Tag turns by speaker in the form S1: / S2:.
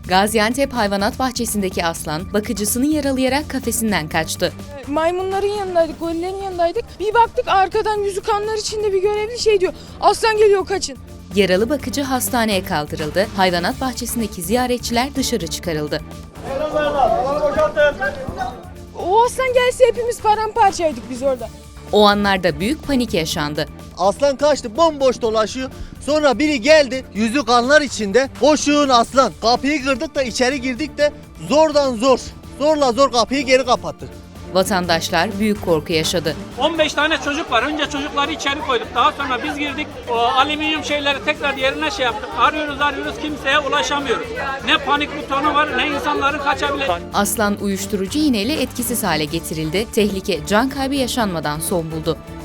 S1: Gaziantep hayvanat bahçesindeki aslan bakıcısını yaralayarak kafesinden kaçtı.
S2: Maymunların yanındaydık, gorillerin yanındaydık. Bir baktık arkadan yüzü kanlar içinde bir görevli şey diyor. Aslan geliyor, kaçın.
S1: Yaralı bakıcı hastaneye kaldırıldı. Hayvanat bahçesindeki ziyaretçiler dışarı çıkarıldı.
S2: O aslan gelse hepimiz paramparçaydık biz orada.
S1: O anlarda büyük panik yaşandı.
S3: Aslan kaçtı, bomboş dolaşıyor. Sonra biri geldi, yüzü kanlar içinde. Koşun aslan. Kapıyı kırdık da içeri girdik de zorla zor kapıyı geri kapattık.
S1: Vatandaşlar büyük korku yaşadı.
S4: 15 tane çocuk var. Önce çocukları içeri koyduk. Daha sonra biz girdik. O alüminyum şeyleri tekrar yerine yaptık. Arıyoruz kimseye ulaşamıyoruz. Ne panik butonu var ne insanların kaçabileceği.
S1: Aslan uyuşturucu iğneyle etkisiz hale getirildi. Tehlike can kaybı yaşanmadan son buldu.